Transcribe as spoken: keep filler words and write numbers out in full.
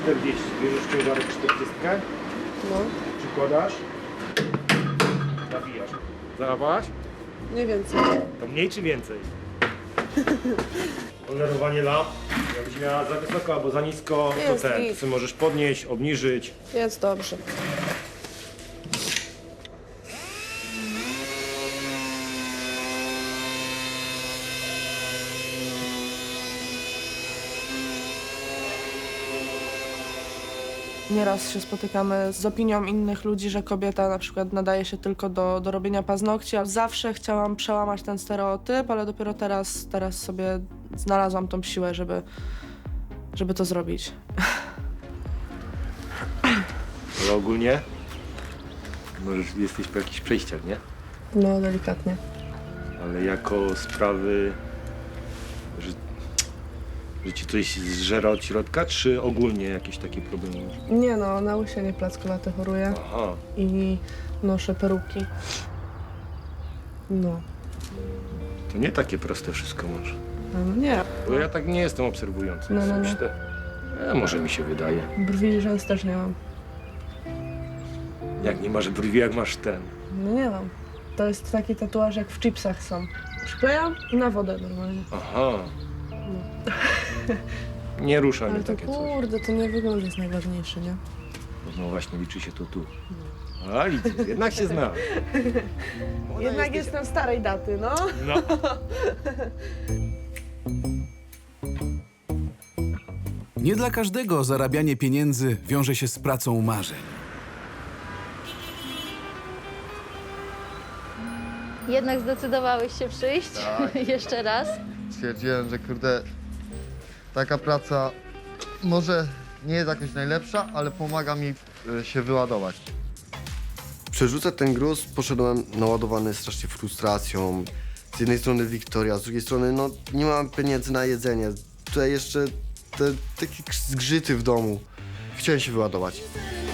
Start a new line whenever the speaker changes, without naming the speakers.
czterdzieści. Bierzesz ciężarek czterdzieści,
No,
przykładasz, nawijasz. Zarabałaś?
mniej więcej.
To mniej czy więcej? Polerowanie lamp. Jakbyś miała za wysoko albo za nisko, to
Jest
ten.
git.
Ty możesz podnieść, obniżyć.
Jest dobrze. Nieraz się spotykamy z opinią innych ludzi, że kobieta na przykład nadaje się tylko do, do robienia paznokci. Ja zawsze chciałam przełamać ten stereotyp, ale dopiero teraz, teraz sobie znalazłam tą siłę, żeby, żeby to zrobić.
Ale ogólnie możesz, jesteś po jakichś przejściach, nie?
No, delikatnie.
Ale jako sprawy, że, że ci coś zżera od środka, czy ogólnie jakieś takie problemy masz?
Nie no, na łysienie plackolaty choruję
Aha.
i noszę peruki. No.
To nie takie proste wszystko masz.
No nie.
Bo ja tak nie jestem obserwujący.
No, no, no.
Myślę, e, może mi się wydaje.
Brwi i rzęs też nie mam.
Jak nie masz brwi, jak masz ten.
No nie mam. To jest taki tatuaż jak w chipsach są. Przyklejam i na wodę normalnie.
Aha. Nie rusza mnie
Ale to
takie coś.
kurde, to nie wygląd jest najważniejszy, nie?
No właśnie, liczy się to tu. A widzisz, jednak się zna.
Jednak jestem starej daty, no.
No.
Nie dla każdego zarabianie pieniędzy wiąże się z pracą marzeń.
Jednak zdecydowałeś się przyjść
Tak.
jeszcze raz.
Stwierdziłem, że kurde, taka praca może nie jest jakoś najlepsza, ale pomaga mi y, się wyładować.
Przerzucać ten gruz poszedłem naładowany strasznie frustracją. Z jednej strony Wiktoria, z drugiej strony no nie mam pieniędzy na jedzenie. Tutaj jeszcze te takie zgrzyty w domu. Chciałem się wyładować.